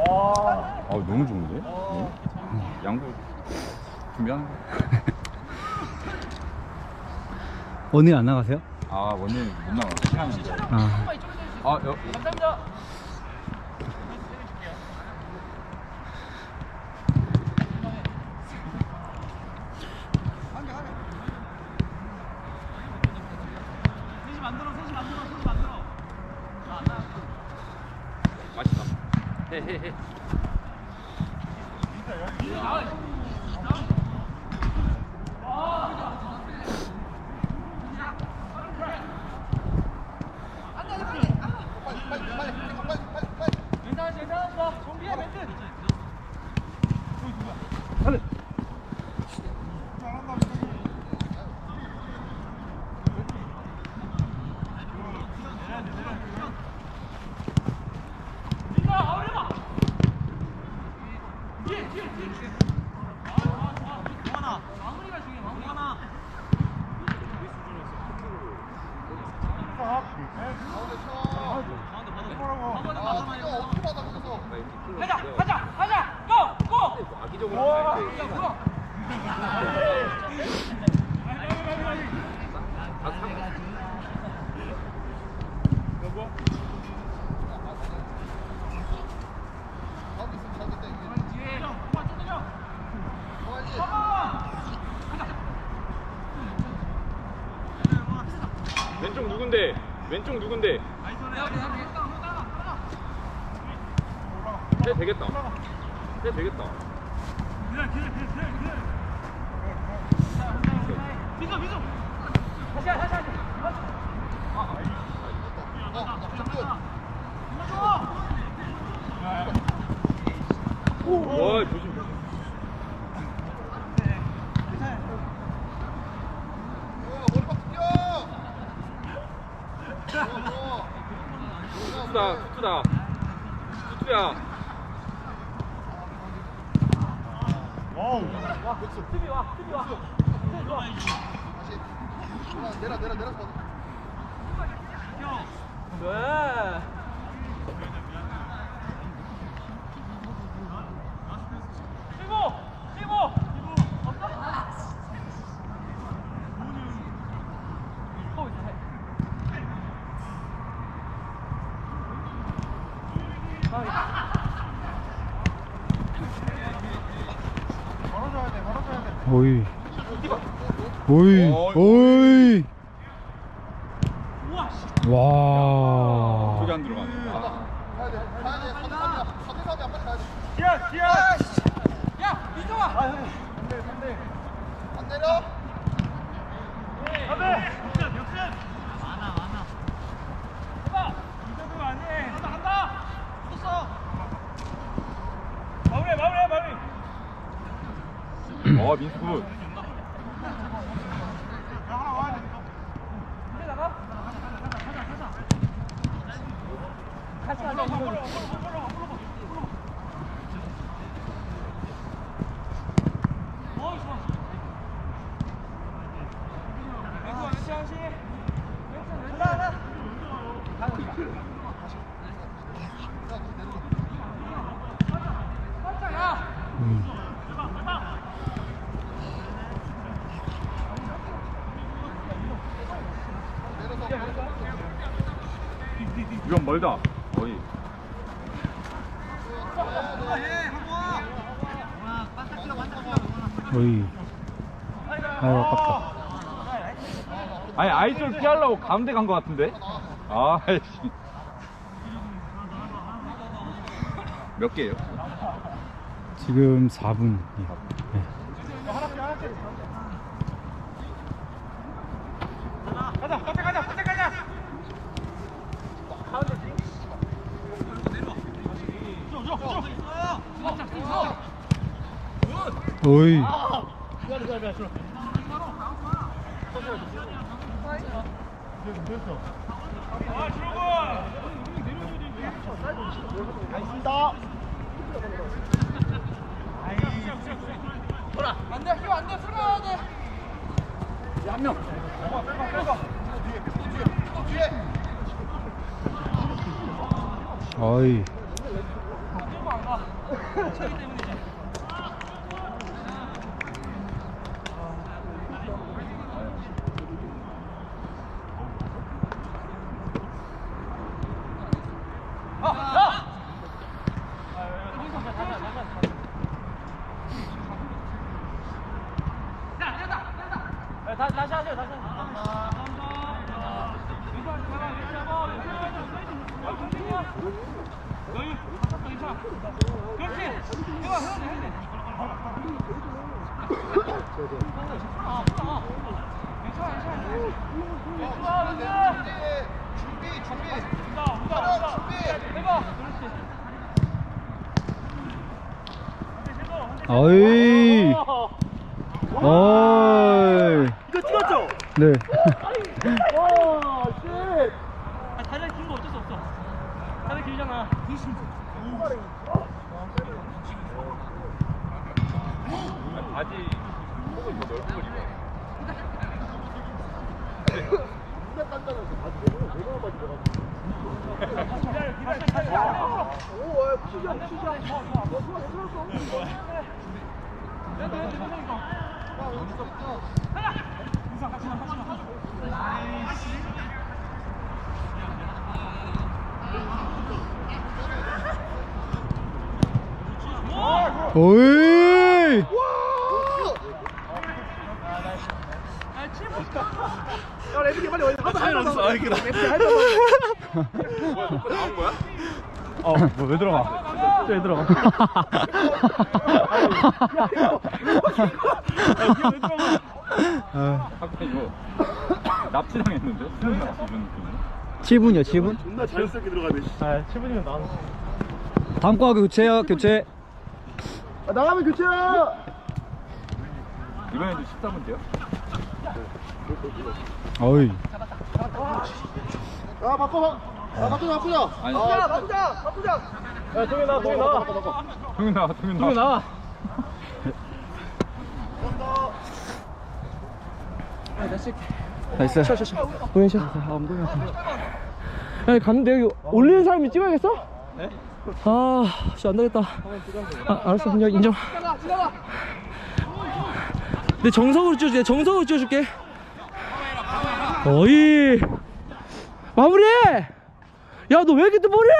너무 좋은데? 양보 준비하는 거. 오늘 안 나가세요? 오늘 못 나가. 시간인데. 감사합니다. 맛있다. 헤헤헤. 정비해 멘트. 가자, 고! 악의적으로 하면 왼쪽 누군데? 왼쪽 누군데? 해 되겠다. 해 되겠다. 와 조심. 투투다. 투투야. 수비 와. 내려. 왜? 뛰고. 오이. 와. 저기 안 들어가네. 야, 민정아. 안 내려. 간다. 섰어. 마무리. 민수 굿. 같이 가자. 이건 멀다. 거의. 오이. 아유, 아깝다. 아니 아이솔 피하려고 가운데 간 것 같은데? 아이씨. 몇 개예요? 지금 4분. 네. 가자. 오이. 안돼, 힘 안돼, 풀어야 돼. 한 명. 어이. 안 가. 다시 하세요, 다시 하세요. 어이. 어이. 이거 찍었죠? 네. 다리 긴거 어쩔 수 없어. 다리 길잖아. 바지 속을 뭐 넓은 걸 입어. 오이. 야, 레프리 빨리 어디 차이 났어. 아, 이게 뭐야, 녹화 나온 거야? 왜 들어가? 왜 들어가? 아까 이거 납치당했는데? 수능 납치 이런 느낌. 7분이요, 7분? 존나 자연스럽게 들어가네. 아, 7분이면 나왔어. 다음 거 교체요, 교체. 나가면 교체야. 이번에도 14분째요? 어이. 아 바꿔. 아 바꾸자. 아니, 바꾸자. 야, 동현 나와, 동현 나와. 동현 나와, 동현 나와. 동현 나와. 나이스. 동현 씨. 야, 갔는데 여기 올리는 사람이 찍어야겠어? 네? 아, 진짜 안 되겠다. 아, 알았어, 그냥 인정. 내 정석으로 찍어줄게. 정석으로 찍어줄게. 어이, 마무리해. 야, 너 왜 이렇게 또 머리해?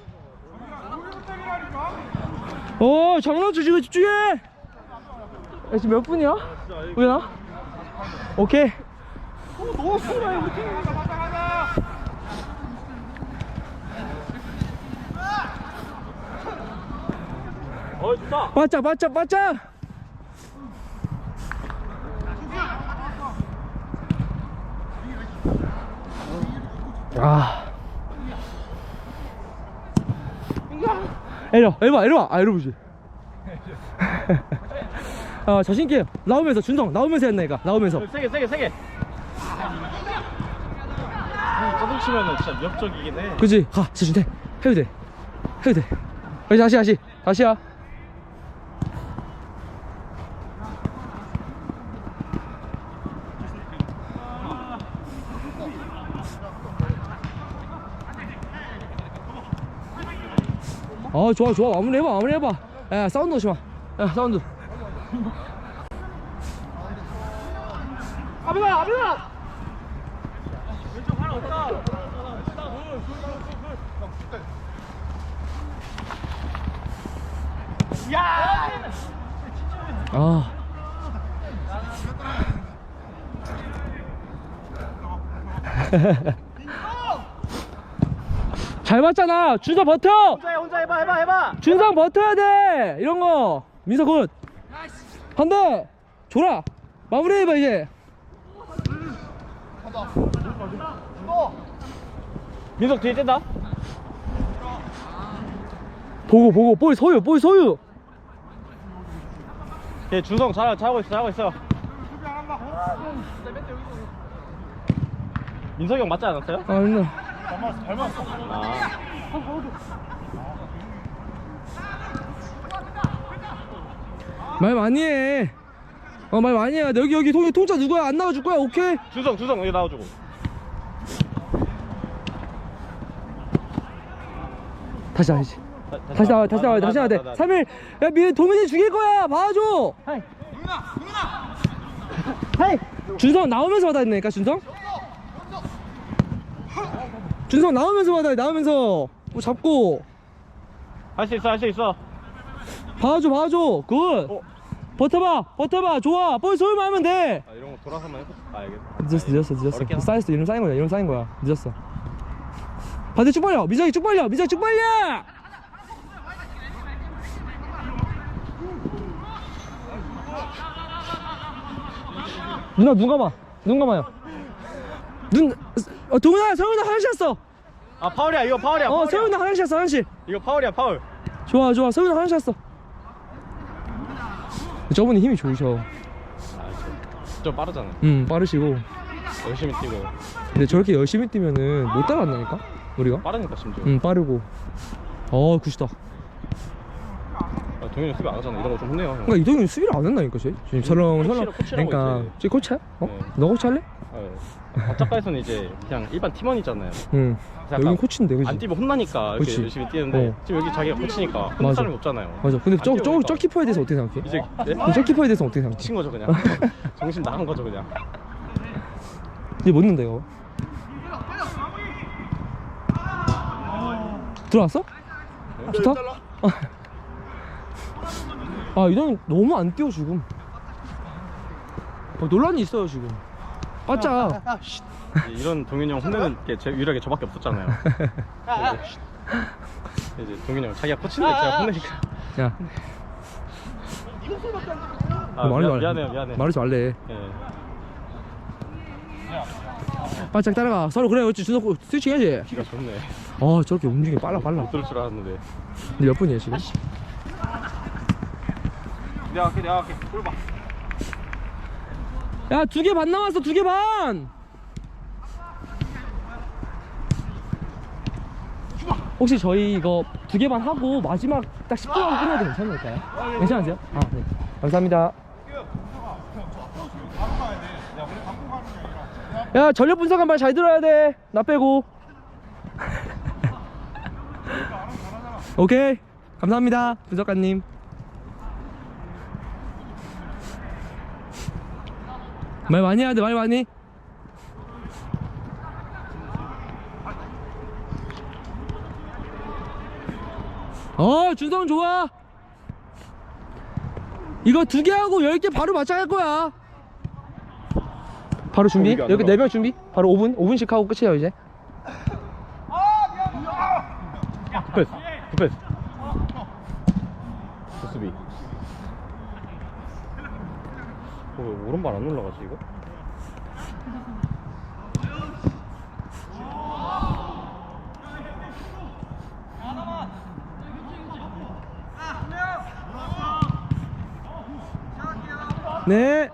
장난쳐. 지금 집중해. 야, 지금 몇 분이야? 우연아? 오케이. 좋다. 바짝. 아. 에러. 아, 에러보지. 자신있게 나오면서 준성 나오면서 했나니까. 나오면서 세게 짜증 치면은 진짜 위협적이긴 해. 그치. 가 진짜 해도 돼. 다시야. 좋아. 마무리해봐. 야, 사운드 넣지 마. 야, 사운드. 아비가. 왼쪽 하나 없다. 아. 잘 봤잖아. 준서 버텨. 혼자 해봐. 준성 버텨야 돼. 이런 거. 민서 굿. 한대. 줘라. 마무리해봐 이제. 민석 뒤에 뗀다. 보고 볼 소유. 얘 준성 잘하고 있어. 민석이 형 맞지 않았어요? 아, 있네. 말 많이 해. 말 많이 해. 여기 통짜 누구야? 안 나와줄 거야? 오케이. 준성 여기 나와주고. 다시. 다시 나와. 3일. 야, 도민이 죽일 거야. 봐줘. 하이. 준성 나오면서 받아야 되니까, 준성 나오면서 받아야 돼. 나오면서 뭐 잡고 할 수 있어. 봐줘. 굿. 버텨봐. 좋아. 볼 소유만 하면 돼. 아, 이런 거 돌아서만 해보. 아, 알겠어. 늦었어. 어렵게 하나? 쌓였어. 이름 쌓인 거야. 늦었어. 반대 쭉 벌려. 미정이 쭉 벌려. 누나 눈 감아요. 동훈아, 서훈아 화장실 왔어. 아, 파울이야. 이거 파울이야. 서훈아 화장실 왔어. 화장실. 이거 파울이야, 파울. 좋아. 서훈아 화장실 왔어. 저분이 힘이 좋으셔. 좀 빠르잖아. 빠르시고. 열심히 뛰고. 근데 저렇게 열심히 뛰면은 못 따라간다니까 우리가. 빠르니까 심지어. 빠르고. 굿이다. 아, 동현이 수비 안 하잖아. 이런 거 좀 혼내요. 형. 그러니까 이동훈이 수비를 안 한다니까 쟤. 지금 설렁. 코치라고 그러니까 이제. 쟤 코치야? 네. 너 코치할래? 바짝가에서는 이제 그냥 일반 팀원이잖아요. 응. 약간 여긴 코치인데, 그지? 안 뛰면 혼나니까 이렇게 그치. 열심히 뛰는데 지금 여기 자기가 코치니까 혼날 사람이 없잖아요. 맞아. 근데 안 뛰어오니까. 저 키퍼에 대해서 어떻게 생각해? 이제 그럼 저 키퍼에 대해서 어떻게 생각해? 미친 거죠 그냥. 정신 나간 거죠 그냥. 이제 못 넣는다 이거. 들어왔어? 좋다? 이동훈 너무 안 뛰어 지금. 논란이 있어요 지금. 바짝. 이런 동현이 형 혼내는 게 유일하게 저밖에 없었잖아요. 이제 동현이 형 자기가 코치인데 제가 혼내니까. 야, 미안해요. 말하지 말래. 예. 바짝 따라가. 서로 그래. 그렇지. 준석 스위칭 해야지. 기가 좋네. 저렇게 움직임이 빨라. 못 들을 줄 알았는데. 근데 몇 분이야 지금? 내가 할게. 볼 봐. 야, 2개 반 남았어. 2개 반. 혹시 저희 이거 2개 반 하고 마지막 딱 10분 하고 끝내도 괜찮을까요? 괜찮으세요? 네. 감사합니다. 야, 전력 분석 한 번 잘 들어야 돼. 나 빼고. 오케이. 감사합니다. 분석가님. 말 많이 해야 돼. 말 많이. 준성 좋아. 이거 2개 하고 10개 바로 맞춰갈 거야. 바로 준비. 이게 안 여기 들어가. 4명 준비. 바로 5분씩 하고 끝이에요 이제. 굿패스. 수비. 왜 오른발 안 올라가지 이거? 네.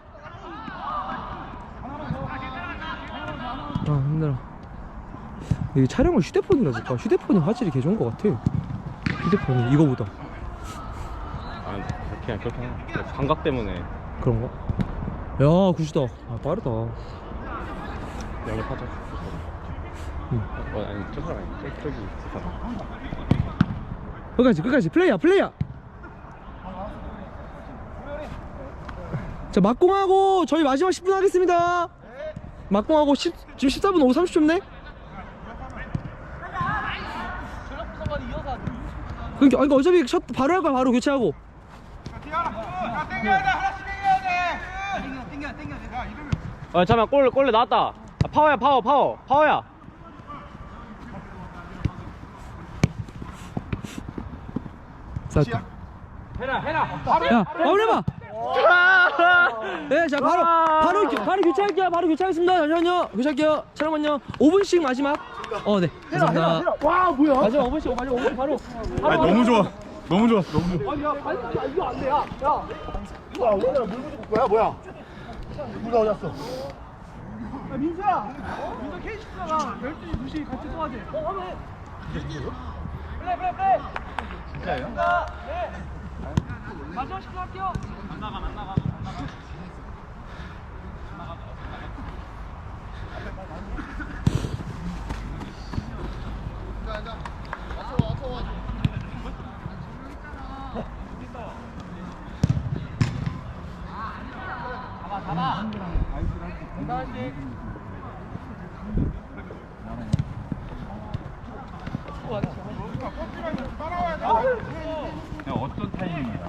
힘들어. 이 촬영을 휴대폰으로 해볼까? 휴대폰이 화질이 개 좋은 것 같아. 휴대폰이 이거보다. 그냥 그렇게 하나. 감각 때문에 그런가? 야, 굿이다. 빠르다. 영입하자. 아니 저 사람 아니 저기 저 사람. 끝까지 플레이야. 자, 막공하고 저희 마지막 10분 하겠습니다. 막공하고 지금 14분 5, 30초인데? 그러니까 어차피 샷 바로 할 거야. 바로 교체하고. 잠깐만 골 나왔다. 파워야. 쌌다. 야, 마무리해봐. 네, 자 바로 교체할게요. 바로 교체하겠습니다. 잠시만요. 교체할게요. 잠깐만요. 5분씩 마지막. 네. 감사합니다. 와 뭐야? 마지막 5분씩 바로. 너무 좋았어. 너무 좋아. 이거 안 돼. 야. 뭐야? 오늘 물 묻을 거야? 뭐야? 누가 어디 갔어? 민수야 K14가 12시 2시 같이 도와줘. 하면 플레이. 진짜요? 네. 마지막 10분 할게요. 안 나가. 그냥 어떤 타이밍이야?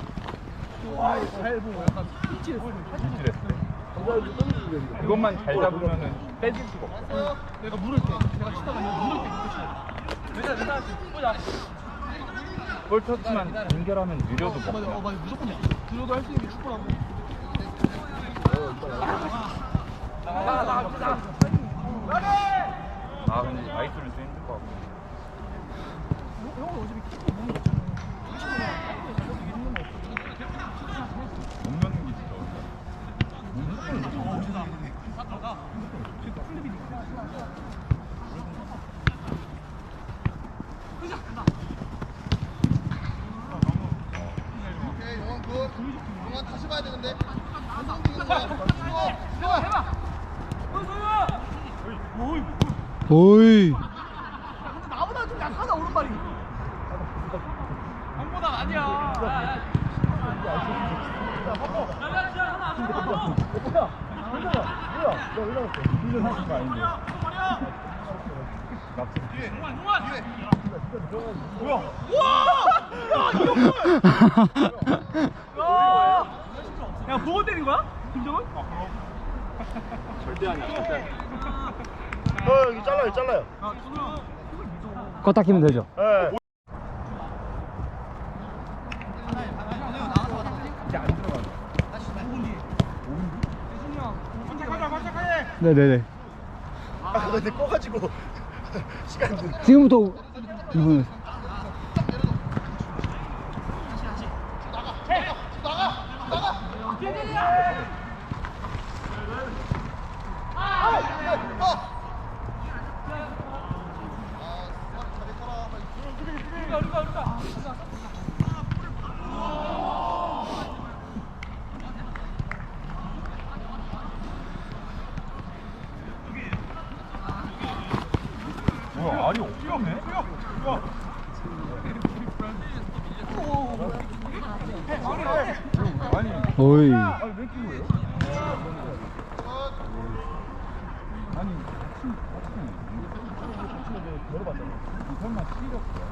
일질했어. 그것만 잘 잡으면은 빼질 수가 없어. 내가 물을 때 내가 치다가 물을 때 내가 볼 터치만 연결하면 느려도 먹고. 맞아 무조건이야. 들어도 할 수 있는 게 축구라고. 아 근데 아이솔은 좀 힘들 것 같고. 못 넣는 게 진짜 오케이 영원 굿. 영원 다시 봐야 되는데. 오이. 나보다 좀 약하다 오른발이. 야 보고 때린 거야? 김정은? 절대 아니야. 절대 아니야. 여기 잘라요. 껐다 키면 되죠. 예. 네네네. 아 근데 꺼가지고 시간 좀. 지금부터 이분. 뭐야 알이 없네? 아니 오이. 왜 끼고요? 아니 설마 시력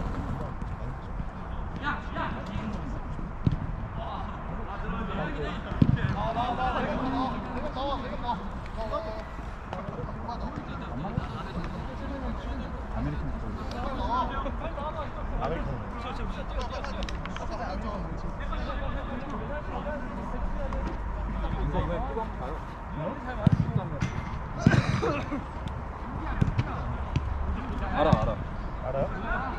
알아. 알아요?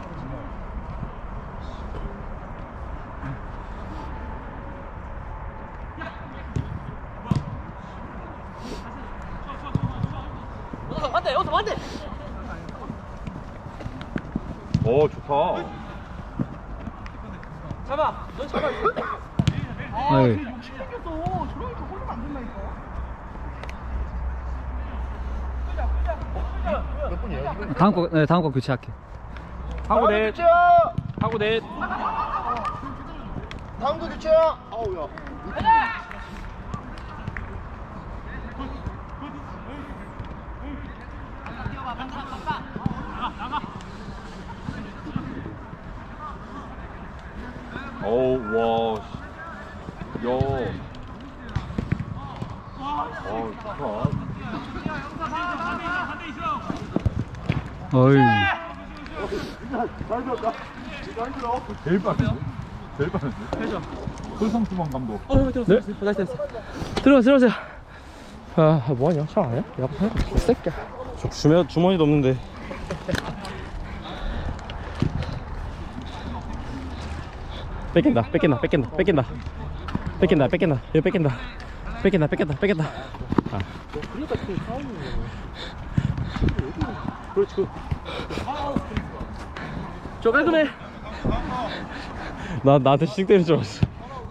오 좋다. 잡아. 너 잡아. 아이. 몇 분이에요? 지금? 다음 거 교체할게. 하고 넷. 교체야. 하고 넷. 다음 거 교체야. 아우야. 어우 와. 씨. 야. 좋다. 어이. 잘 들었다. 잘 들어. 제일 빠른데? 제일 빠른데? 회전. 손성수범 감독. 들었어. 네? 들어가세요. 아 뭐하냐? 샤워 안 해? 야 이 새끼야. 주머니도 없는데. 뺏긴다. 아. 그렇지. 저 깔끔해. 나한테 씩 때릴 줄 알았어.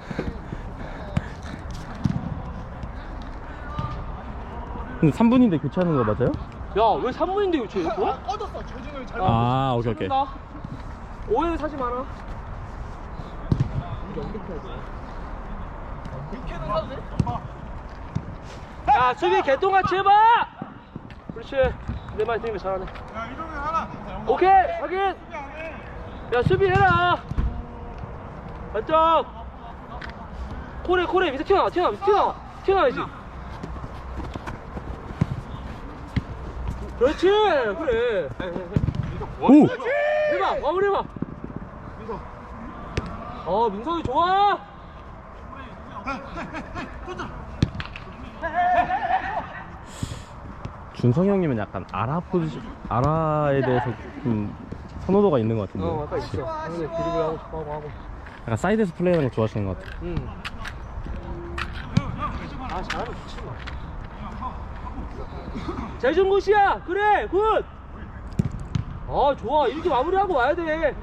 근데 3분인데 교체하는 거 맞아요? 야 왜 3분인데 교체 이거? 꺼졌어. 조증을 잘. 아, 오케이. 오해를 사지 마라. 육회는 사도 돼? 야 수비 개똥같이 해봐. 그렇지. 내 말 들으면 잘하네. 오케이 확인. 야 수비해라. 맞죠? 코레 밑에 튀어나와야지. 그렇지 그래. 오! 해봐 마무리 해봐. 민석이 좋아. 준성이 형님은 약간 아라에 대해서 좀 선호도가 있는 것 같은데. 아까 있어. 근데 드리블 하고 싶어 하고. 약간 사이드에서 플레이하는 거 좋아하시는 것 같아요. 잘하면 좋지 뭐. 재준 굿이야. 그래 굿. 좋아 이렇게 마무리하고 와야 돼.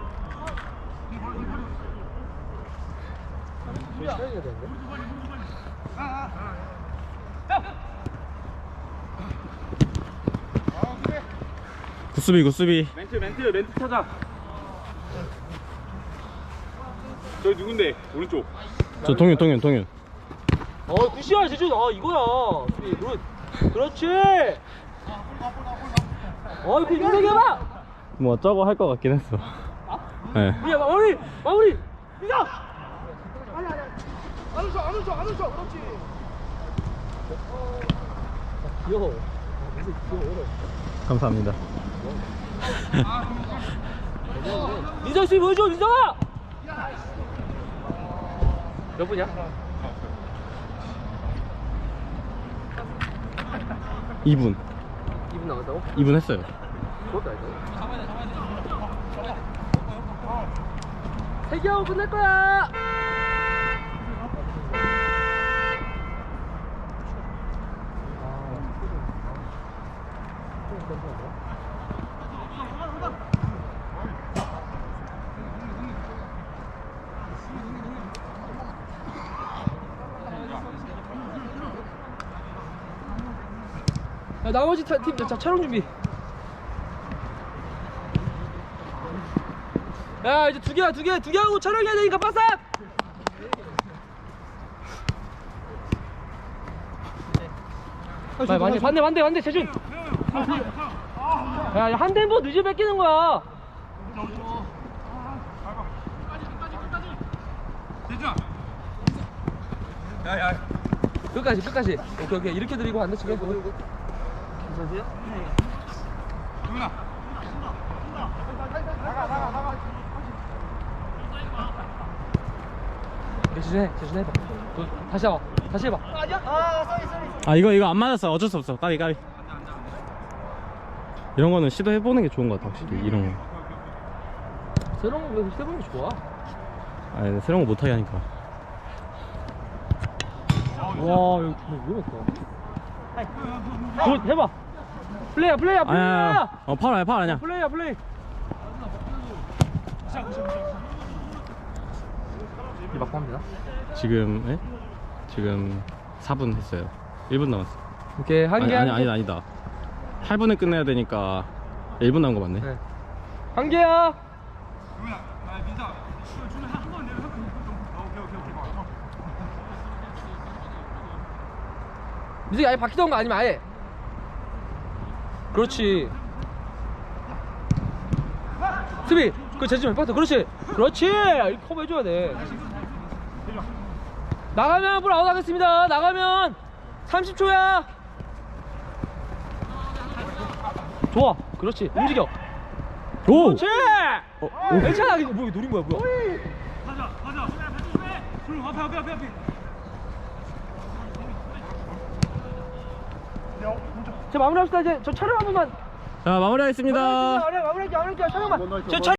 굿수비. 멘트 찾아. 저기 누군데? 오른쪽. 저 동윤. 굿이야 재준. 이거야. 수비 굿. 그렇지. 이거 민석이 해봐. 뭐 저거 할 것 같긴 했어. 네. 야 마무리. 민석. 안 웃어. 그렇지. 귀여워. 감사합니다. 민석 수비 보여줘 민석아. 몇 분이야? 2분 2분 남았다고? 2분 했어요. 그것도 아니다. 3개 하고 끝낼 거야. 야, 나머지 팀 촬영 준비. 야 이제 두 개 하고 촬영해야 되니까 빠삭. 반대 재준. 야 한 템포 늦게 뺏기는 거야. 끝까지. 오케이 이렇게 드리고 안 다치게. 괜찮으세요? 재준 해봐. 다시 해봐. 아 이거 안 맞았어. 어쩔 수 없어. 까비. 이런 거는 시도해보는 게 좋은 것 같아 확실히. 이런 거. 새로운 거 해보는 게 좋아. 아니 새로운 거 못하게 하니까. 와 이거 위험했다. 굿 해봐. 플레이야. 아니야. 파울 아니야. 플레이. 이 막고 합니다. 지금 4분 했어요. 1분 남았어. 오케이 아니다. 8분에 끝내야 되니까 1분 남은 거 맞네. 네. 한 개야. 민석이 아예 바뀌던 거 아니면 아예. 그렇지. 수비. 그 재지 몇 그렇지. 이렇게 커버해줘야 돼. 나가면 볼 아웃 하겠습니다. 나가면 30초야. 좋아. 그렇지. 움직여. 오! 그렇지. 괜찮아. 이거 뭐 노린 거야 뭐야. 자 마무리합시다. 이제 저 촬영 한 번만. 자 마무리하겠습니다. 마무리할게요. 촬영만. 저 촬영.